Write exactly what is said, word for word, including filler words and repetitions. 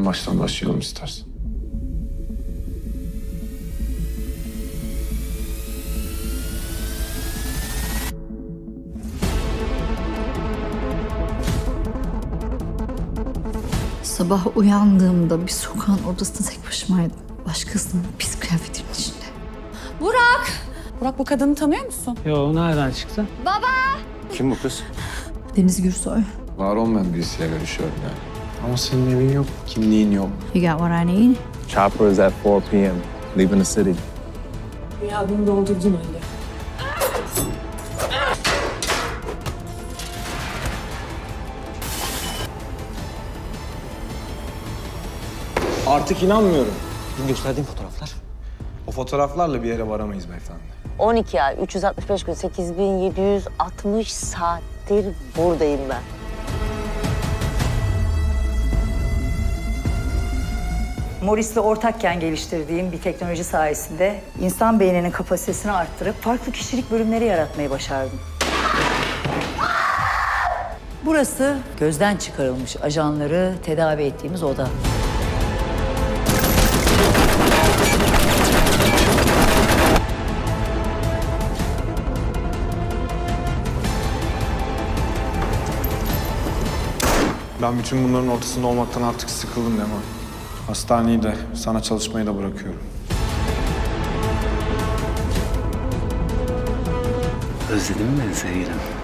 en baştan başlayalım istersen. Sabah uyandığımda bir sokağın ortasında tek başımaydım. Başkasının pis kıyafetinin içinde. Burak! Burak, bu kadını tanıyor musun? Yo, nereden çıktı? Kim bu kız? Deniz Gürsoy. Var olmayan birisiyle görüşüyorum yani. Ama senin evin yok, kimliğin yok. You got what I need? Chopper is at four p m leaving the city. Rüyadını doldurdun öyle. Artık inanmıyorum. Dün gösterdiğim fotoğraflar. O fotoğraflarla bir yere varamayız beyefendi. on iki ay, üç yüz altmış beş gün, sekiz bin yedi yüz altmış saattir buradayım ben. Morris'le ortakken geliştirdiğim bir teknoloji sayesinde insan beyninin kapasitesini arttırıp farklı kişilik bölümleri yaratmayı başardım. Burası gözden çıkarılmış ajanları tedavi ettiğimiz oda. Ben bütün bunların ortasında olmaktan artık sıkıldım Leman. Hastaneyi de, sana çalışmayı da bırakıyorum. Özledin mi beni sevgilim?